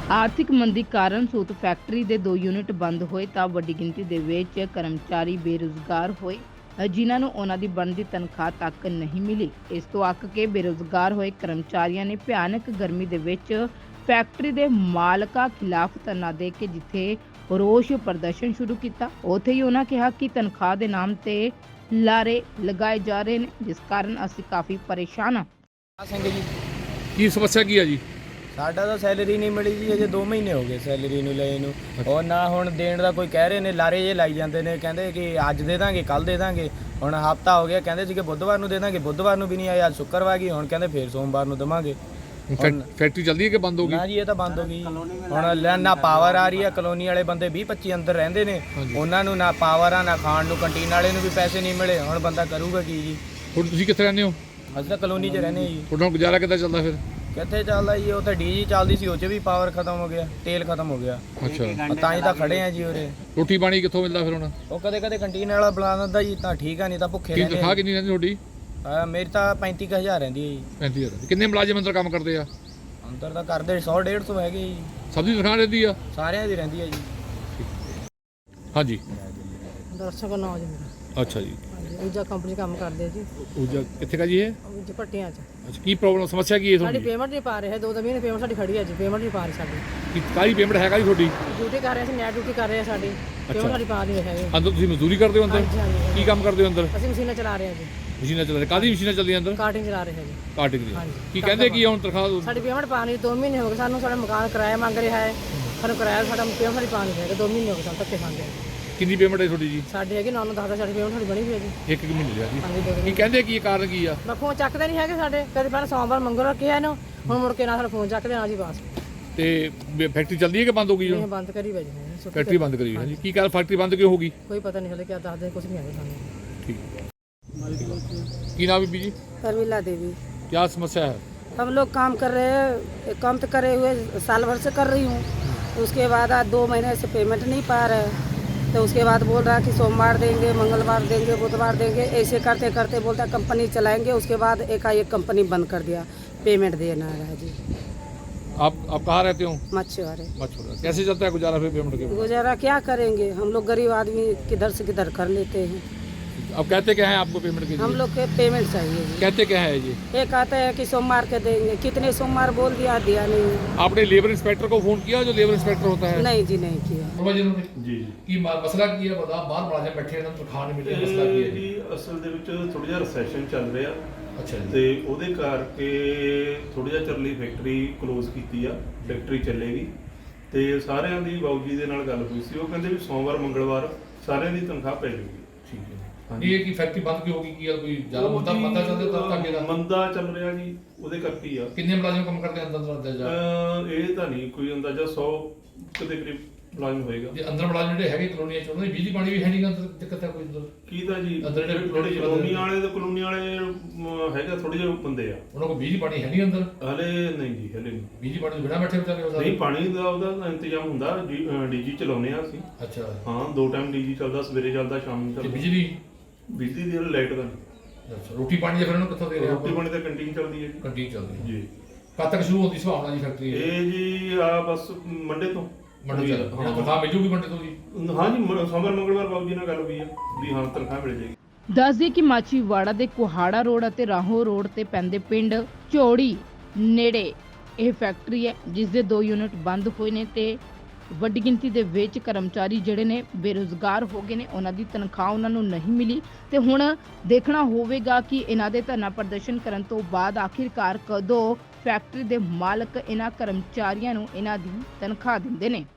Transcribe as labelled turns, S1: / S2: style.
S1: ਆਰਥਿਕ ਮੰਦੀ ਕਾਰਨ ਸੂਤ ਫੈਕਟਰੀ ਦੇ 2 ਯੂਨਿਟ ਬੰਦ ਹੋਏ ਤਾਂ ਵੱਡੀ ਗਿਣਤੀ ਦੇ ਵਿੱਚ ਕਰਮਚਾਰੀ ਬੇਰੁਜ਼ਗਾਰ ਹੋਏ, ਜਿਨ੍ਹਾਂ ਨੂੰ ਉਹਨਾਂ ਦੀ ਬਣਦੀ ਤਨਖਾਹ ਤੱਕ ਨਹੀਂ ਮਿਲੀ। ਇਸ ਤੋਂ ਅੱਕ ਕੇ ਬੇਰੁਜ਼ਗਾਰ ਹੋਏ ਕਰਮਚਾਰੀਆਂ ਨੇ ਭਿਆਨਕ ਗਰਮੀ ਦੇ ਵਿੱਚ ਫੈਕਟਰੀ ਦੇ ਮਾਲਕਾਂ ਖਿਲਾਫ ਧਰਨਾ ਦੇ ਕੇ ਜਿੱਥੇ ਰੋਸ ਪ੍ਰਦਰਸ਼ਨ ਸ਼ੁਰੂ ਕੀਤਾ, ਉੱਥੇ ਹੀ ਉਹਨਾਂ ਕਿਹਾ ਕਿ ਤਨਖਾਹ ਦੇ ਨਾਮ ਤੇ ਲਾਰੇ ਲਗਾਏ ਜਾ ਰਹੇ ਨੇ, ਜਿਸ ਕਾਰਨ ਅਸੀਂ ਕਾਫੀ ਪਰੇਸ਼ਾਨ ਹਾਂ।
S2: ਸਿੰਘ ਜੀ,
S3: ਕੀ ਸਮੱਸਿਆ ਕੀ ਹੈ ਜੀ?
S2: ਸਾਡਾ ਤਾਂ ਸੈਲਰੀ ਨਹੀਂ ਮਿਲੀ ਜੀ, ਅਜੇ 2 ਮਹੀਨੇ ਹੋ ਗਏ ਸੈਲਰੀ ਨੂੰ ਲਏ ਨੂੰ। ਉਹ ਨਾ ਹੁਣ ਦੇਣ ਦਾ ਕੋਈ ਕਹਿ ਰਹੇ ਨੇ, ਲਾਰੇ ਜੇ ਲਾਈ ਜਾਂਦੇ ਨੇ, ਕਹਿੰਦੇ ਕਿ ਅੱਜ ਦੇ ਦਾਂਗੇ, ਕੱਲ ਦੇ ਦਾਂਗੇ। ਹੁਣ ਹਫਤਾ ਹੋ ਗਿਆ, ਕਹਿੰਦੇ ਸੀ ਕਿ ਬੁੱਧਵਾਰ ਨੂੰ ਦੇ ਦਾਂਗੇ, ਬੁੱਧਵਾਰ ਨੂੰ ਵੀ ਨਹੀਂ ਆਇਆ, ਅੱਜ ਸ਼ੁੱਕਰਵਾਰ ਗਈ, ਹੁਣ ਕਹਿੰਦੇ ਫੇਰ ਸੋਮਵਾਰ ਨੂੰ ਦੇਵਾਂਗੇ।
S3: ਫੈਕਟਰੀ ਚੱਲਦੀ ਹੈ ਕਿ ਬੰਦ ਹੋ ਗਈ?
S2: ਨਾ ਜੀ, ਇਹ ਤਾਂ ਬੰਦ ਹੋ ਗਈ। ਹੁਣ ਨਾ ਪਾਵਰ ਆ ਰਹੀ ਹੈ, ਕਲੋਨੀ ਵਾਲੇ ਬੰਦੇ 20-25 ਅੰਦਰ ਰਹਿੰਦੇ ਨੇ, ਉਹਨਾਂ ਨੂੰ ਨਾ ਪਾਵਰ ਆ, ਨਾ ਖਾਣ ਨੂੰ, ਕੰਟੀਨ ਵਾਲੇ ਨੂੰ ਵੀ ਪੈਸੇ ਨਹੀਂ ਮਿਲੇ। ਹੁਣ ਬੰਦਾ ਕਰੂਗਾ ਕੀ ਜੀ?
S3: ਹੁਣ ਤੁਸੀਂ ਕਿੱਥੇ ਰਹਿੰਦੇ ਹੋ?
S2: ਅਸੀਂ ਤਾਂ ਕਲੋਨੀ 'ਚ ਰਹਿੰਦੇ ਜੀ।
S3: ਤੁਹਾਡਾ ਗੁਜ਼ਾਰਾ ਕਿੱਦਾਂ ਚੱਲਦਾ ਫਿਰ?
S2: ਕਿੱਥੇ ਚੱਲਦਾ ਜੀ, ਉਹ ਤਾਂ ਡੀਜੀ ਚੱਲਦੀ ਸੀ, ਉਹ 'ਚ ਵੀ ਪਾਵਰ ਖਤਮ ਹੋ ਗਿਆ, ਤੇਲ ਖਤਮ ਹੋ ਗਿਆ।
S3: ਅੱਛਾ,
S2: ਤਾਂ ਹੀ ਤਾਂ ਖੜੇ ਆ ਜੀ ਉਰੇ।
S3: ਰੋਟੀ ਪਾਣੀ ਕਿੱਥੋਂ ਮਿਲਦਾ ਫਿਰ ਹੁਣ?
S2: ਉਹ ਕਦੇ ਕਦੇ ਕੰਟੀਨ ਵਾਲਾ ਬੁਲਾ ਦਿੰਦਾ ਜੀ, ਤਾਂ ਠੀਕ ਆ, ਨਹੀਂ ਤਾਂ ਭੁੱਖੇ
S3: ਕੀ
S2: ਰਹਿੰਦੇ
S3: ਤਨਖਾਹ ਕਿੰਨੀ ਰਹਿੰਦੀ ਤੁਹਾਡੀ?
S2: ਮੇਰੀ ਤਾਂ 35,000 ਰਹਿੰਦੀ ਹੈ ਜੀ।
S3: 35,000। ਕਿੰਨੇ ਮੁਲਾਜ਼ਮ ਅੰਦਰ ਕੰਮ ਕਰਦੇ ਆ?
S2: ਅੰਦਰ ਤਾਂ ਕਰਦੇ 100-150 ਹੈਗੇ ਜੀ।
S3: ਸਭ ਦੀ ਤਨਖਾਹ ਰਹਿੰਦੀ ਆ?
S2: ਸਾਰਿਆਂ ਦੀ ਰਹਿੰਦੀ ਹੈ ਜੀ।
S3: ਹਾਂਜੀ,
S4: ਦਰਸ਼ਕ ਨੌਜ ਮੇਰਾ।
S3: ਅੱਛਾ ਜੀ।
S4: ਹਾਂਜੀ, ਊਰਜਾ ਕੰਪਨੀ 'ਚ ਕੰਮ ਕਰਦੇ ਆ ਜੀ।
S3: ਉਹ ਕਿੱਥੇ ਕਾ ਜੀ ਇਹ?
S4: ਊਰਜਾ ਭੱਟੀਆਂ 'ਚ।
S3: ਅੱਛਾ, ਕੀ ਪ੍ਰੋਬਲਮ, ਸਮੱਸਿਆ ਕੀ ਹੈ
S4: ਸਾਡੀ
S3: ਤੁਹਾਡੀ?
S4: ਪੇਮੈਂਟ ਨਹੀਂ ਪਾ ਰਹੇ, 2 ਮਹੀਨੇ ਪੇਮੈਂਟ ਸਾਡੀ ਖੜੀ ਹੈ ਜੀ, ਪੇਮੈਂਟ ਨਹੀਂ ਪਾ ਰਹੇ ਸਾਡੀ।
S3: ਕੀ ਕਾਹਦੀ ਪੇਮੈਂਟ ਹੈਗਾ ਜੀ ਤੁਹਾਡੀ?
S4: ਡਿਊਟੀ ਕਰ ਰਹੇ ਸੀ, ਨੈਟ ਡਿਊਟੀ ਕਰ ਰਹੇ ਆ ਸਾਡੀ, ਪੇਮੈਂਟ ਸਾਡੀ ਪਾ ਨਹੀਂ ਰਹੇ ਹੈਗੇ।
S3: ਅੰਦਰ ਤੁਸੀਂ ਮਜ਼ਦੂਰੀ ਕਰਦੇ ਹੋ ਅੰਦਰ?
S4: ਹਾਂਜੀ ਹਾਂਜੀ।
S3: ਕੀ ਕੰਮ ਕਰਦੇ ਹੋ ਅੰਦਰ?
S4: ਅਸੀਂ ਮਸ਼ੀਨਾਂ ਚਲਾ ਰਹੇ ਹਾਂ ਜੀ,
S3: ਮਸ਼ੀਨਾਂ ਚੱਲ ਰਹੀਆਂ? ਕਾਹਦੀ ਮਸ਼ੀਨਾਂ ਚੱਲਦੀਆਂ ਅੰਦਰ?
S4: ਕਾਰਟਿੰਗ ਚਲਾ ਰਹੇ ਹਾਂ ਜੀ।
S3: ਕਾਟਿੰਗ ਦੀ।
S4: ਹਾਂਜੀ।
S3: ਕੀ ਕਹਿੰਦੇ ਕੀ ਆ ਹੁਣ ਤਨਖਾਹ?
S4: ਸਾਡੀ ਪੇਮੈਂਟ ਪਾ ਨਹੀਂ, 2 ਮਹੀਨੇ ਹੋ ਗਏ ਸਾਨੂੰ, ਸਾਡਾ ਮਕਾਨ ਕਿਰਾਇਆ ਮੰਗ ਰਿਹਾ ਹੈ, ਸਾਨੂੰ ਕਿਰਾਇਆ ਸਾਡਾ ਪੇਮੈਂਟ ਸਾਡੀ ਪਾ ਨਹੀਂ ਰਹੇ, 2 ਮਹੀਨੇ ਹੋ ਗਏ ਸਾਨੂੰ ਧੱਕੇ ਖਾਂਦੇ।
S3: ਕਿੰਨੀ ਪੇਮੈਂਟ ਹੈ ਤੁਹਾਡੀ ਜੀ?
S4: ਸਾਡੇ ਹੈਗੇ 9-10 ਸਾਡੀ ਪੇਮੈਂਟ ਸਾਡੀ ਬਣੀ ਹੋਈ ਹੈ ਜੀ।
S3: ਇੱਕ ਮਹੀਨੇ ਦੀ ਆ ਜੀ।
S4: ਹਾਂਜੀ, 2
S3: ਕੀ
S4: ਮਹੀਨੇ।
S3: ਕਹਿੰਦੇ ਕੀ ਕਾਰਨ ਕੀ ਆ?
S4: ਮੈਂ ਫੋਨ ਚੱਕਦੇ ਨਹੀਂ ਹੈਗੇ ਸਾਡੇ, ਕਦੇ ਪਹਿਲਾਂ ਸੋਮਵਾਰ ਮੰਗਲਵਾਰ ਕਿਹਾ ਇਹਨੂੰ, ਹੁਣ ਮੁੜ ਕੇ ਨਾ ਸਾਡਾ ਫੋਨ ਚੱਕਦੇ ਨਾ ਜੀ ਬਸ।
S3: ਤੇ ਫੈਕਟਰੀ ਚੱਲਦੀ ਹੈ ਕਿ ਬੰਦ ਹੋ ਗਈ?
S4: ਇਹ ਬੰਦ ਕਰੀ ਵਜੇ ਨੇ।
S3: ਫੈਕਟਰੀ ਬੰਦ ਕਰੀ ਹੈ ਜੀ। ਕੀ ਕਾਰਨ ਫੈਕਟਰੀ ਬੰਦ ਕਿਉਂ ਹੋ ਗਈ?
S4: कोई पता नहीं चले, क्या ਦੱਸਦੇ कुछ नहीं आया सामने।
S3: ठीक। ਕੀ ਨਾਮ ਹੈ ਬੀਜੀ?
S5: शर्मिला देवी।
S3: क्या समस्या है?
S5: हम लोग काम कर रहे हैं, काम तो करे हुए साल भर से कर रही हूँ, उसके बाद आज 2 महीने से पेमेंट नहीं पा रहे, तो उसके बाद बोल रहा कि सोमवार देंगे, मंगलवार देंगे, बुधवार देंगे, ऐसे करते करते बोलता कंपनी चलाएंगे। उसके बाद एकाएक कंपनी बंद कर दिया, पेमेंट देना है जी।
S3: आप कहाँ रहते हो?
S5: मछुआरे।
S3: मछुआरा। कैसे चलता है गुजारा फिर पेमेंट के?
S5: गुजारा क्या करेंगे, हम लोग गरीब आदमी किधर से किधर कर लेते हैं।
S3: अब कहते क्या है आपको पेमेंट के
S5: हम
S3: लिए?
S5: लोग के पेमेंट चाहिए जी।
S3: कहते क्या है जी?
S5: एक आता है कि सोमवार के देंगे, कितने सोमवार बोल दिया, दिया नहीं है।
S3: आपने लेबर इंस्पेक्टर को फोन किया, जो लेबर इंस्पेक्टर होता है?
S5: नहीं जी, नहीं किया।
S3: जी ਕੀ ਮਸਲਾ ਕੀ ਹੈ? ਬਤਾ ਬਾਹਰ ਮੁਲਾਜ਼ਮ ਬੈਠੇ ਇਹਨਾਂ ਨੂੰ ਤਨਖਾਹ ਨਹੀਂ ਮਿਲ ਰਹੀ, ਮਸਲਾ ਕੀ ਹੈ
S6: ਜੀ? ਅਸਲ ਦੇ ਵਿੱਚ ਥੋੜਾ ਜਿਹਾ ਰਿਸੈਸ਼ਨ ਚੱਲ ਰਿਹਾ।
S3: ਅੱਛਾ ਜੀ।
S6: ਤੇ ਉਹਦੇ ਕਰਕੇ ਥੋੜਾ ਜਿਹਾ ਚਿਰ ਲਈ ਫੈਕਟਰੀ ਕਲੋਜ਼ ਕੀਤੀ ਆ। ਫੈਕਟਰੀ ਚੱਲੇਗੀ ਤੇ ਸਾਰਿਆਂ ਦੀ ਬਾਊ ਜੀ ਦੇ ਨਾਲ ਗੱਲ ਹੋਈ ਸੀ, ਉਹ ਕਹਿੰਦੇ ਵੀ ਸੋਮਵਾਰ ਮੰਗਲਵਾਰ ਸਾਰਿਆਂ ਦੀ ਤਨਖਾਹ ਪੈ ਜਾਊਗੀ।
S3: ਠੀਕ ਹੈ। ਇਹ ਕੀ ਫੈਕਟਰੀ ਬੰਦ ਕਿਉਂ ਹੋ ਗਈ? ਕੀ ਕੋਈ ਜ਼ਿਆਦਾ ਮੁੱਦਾ ਪਤਾ ਚੱਲਦਾ ਤਾਂ ਅੱਗੇ ਦਾ
S6: ਮੰਦਾ ਚੱਲ ਰਿਹਾ ਜੀ, ਉਹਦੇ ਕਰਕੇ ਹੀ ਆ।
S3: ਕਿੰਨੇ ਮੁਲਾਜ਼ਮ ਕੰਮ ਕਰਦੇ ਅੰਦਰ ਜਾ?
S6: ਇਹ ਤਾਂ ਨਹੀਂ ਕੋਈ ਅੰਦਾਜ਼ਾ 100 ਦੇ ਕਰੀਬ ਮੁਲਾਜ਼ਮ ਹੋਏਗਾ।
S3: ਜੇ ਅੰਦਰ ਮੁਲਾਜ਼ਮ ਜਿਹੜੇ ਹੈਗੇ ਕਲੋਨੀਆਂ ਚ, ਉਹਨਾਂ ਦੀ ਬਿਜਲੀ ਪਾਣੀ ਵੀ ਹੈ ਨਹੀਂ ਅੰਦਰ, ਦਿੱਕਤ ਹੈ ਕੋਈ ਅੰਦਰ?
S6: ਕੀ ਤਾਂ ਜੀ
S3: ਅੰਦਰ ਜਿਹੜੇ
S6: ਕਲੋਨੀ ਵਾਲੇ ਤੇ ਕਲੋਨੀ ਵਾਲੇ ਹੈਗਾ, ਥੋੜੇ ਜਿਹੇ ਬੰਦੇ ਆ,
S3: ਉਹਨਾਂ ਕੋਲ ਬਿਜਲੀ ਪਾਣੀ ਹੈ ਨਹੀਂ ਅੰਦਰ?
S6: ਹਲੇ ਨਹੀਂ ਜੀ, ਹਲੇ ਨਹੀਂ।
S3: ਬਿਜਲੀ ਪਾਣੀ ਤੋਂ ਬਿਨਾਂ ਬੈਠੇ ਵਿਚਾਰੇ ਉਹ ਸਾਰੇ?
S6: ਨਹੀਂ, ਪਾਣੀ ਦਾ ਉਹਦਾ ਇੰਤਜ਼ਾਮ ਹੁੰਦਾ, ਡੀਜੀ ਚਲਾਉਂਦੇ ਆ ਅਸੀਂ।
S3: ਅੱਛਾ।
S6: ਹਾਂ, 2 ਟਾਈਮ ਡੀਜੀ ਚੱਲਦਾ, ਸਵੇਰੇ ਚੱਲਦਾ, ਸ਼ਾਮ ਨੂੰ
S3: ਤੇ
S6: ਚੱਲਦਾ। ਬਿਜਲੀ ਦੀ ਲਾਈਟ ਦਾ ਨਹੀਂ।
S3: ਅੱਛਾ, ਰੋਟੀ ਪਾਣੀ ਦੇ ਫਿਰ ਉਹਨੂੰ ਕਿੱਥੋਂ ਦੇ ਰਹੇ?
S6: ਰੋਟੀ ਪਾਣੀ ਤਾਂ ਕੰਟੀਨ ਚੱਲਦੀ ਹੈ ਜੀ।
S3: ਕੰਟੀਨ ਚੱਲਦੀ ਹੈ
S6: ਜੀ।
S3: ਕਦ ਤੱਕ ਸ਼ੁਰੂ ਹੁੰਦੀ ਸੰਭਾਵਨਾ ਜੀ ਫੈਕਟਰੀ?
S6: ਇਹ ਜੀ ਆ ਬਸ ਮੰਡੇ ਤੋਂ।
S3: ਮੰਡੇ ਚੱਲ ਤਨਖਾਹ ਮਿਲ ਜੂਗੀ ਮੰਡੇ ਤੋਂ ਜੀ?
S6: ਹਾਂ ਜੀ, ਸੋਮਵਾਰ ਮੰਗਲਵਾਰ ਬਾਬੂ ਜੀ ਨਾਲ ਗੱਲ ਹੋਈ ਆ ਵੀ ਹਾਂ ਤਨਖਾਹ ਮਿਲ ਜਾਏਗੀ।
S1: ਦੱਸ ਦਈਏ ਕਿ ਮਾਚੀਵਾੜਾ ਦੇ ਕੁਹਾੜਾ ਰੋਡ ਅਤੇ ਰਾਹੋਂ ਰੋਡ ਤੇ ਪੈਂਦੇ ਪਿੰਡ ਝੋੜੀ ਨੇੜੇ ਇਹ ਫੈਕਟਰੀ ਹੈ, ਜਿਸ ਦੇ 2 ਯੂਨਿਟ ਬੰਦ ਹੋਏ ਨੇ ਤੇ ਵੱਡੀ ਗਿਣਤੀ ਦੇ ਵਿੱਚ ਕਰਮਚਾਰੀ ਜਿਹੜੇ ਨੇ ਬੇਰੁਜ਼ਗਾਰ ਹੋ ਗਏ ਨੇ, ਉਹਨਾਂ ਦੀ ਤਨਖਾਹ ਉਹਨਾਂ ਨੂੰ ਨਹੀਂ ਮਿਲੀ ਤੇ ਹੁਣ ਦੇਖਣਾ ਹੋਵੇਗਾ ਕਿ ਇਹਨਾਂ ਦੇ ਧਰਨਾ ਪ੍ਰਦਰਸ਼ਨ ਕਰਨ ਤੋਂ ਬਾਅਦ ਆਖਿਰਕਾਰ ਕਦੋਂ ਫੈਕਟਰੀ ਦੇ ਮਾਲਕ ਇਹਨਾਂ ਕਰਮਚਾਰੀਆਂ ਨੂੰ ਇਹਨਾਂ ਦੀ ਤਨਖਾਹ ਦਿੰਦੇ ਨੇ।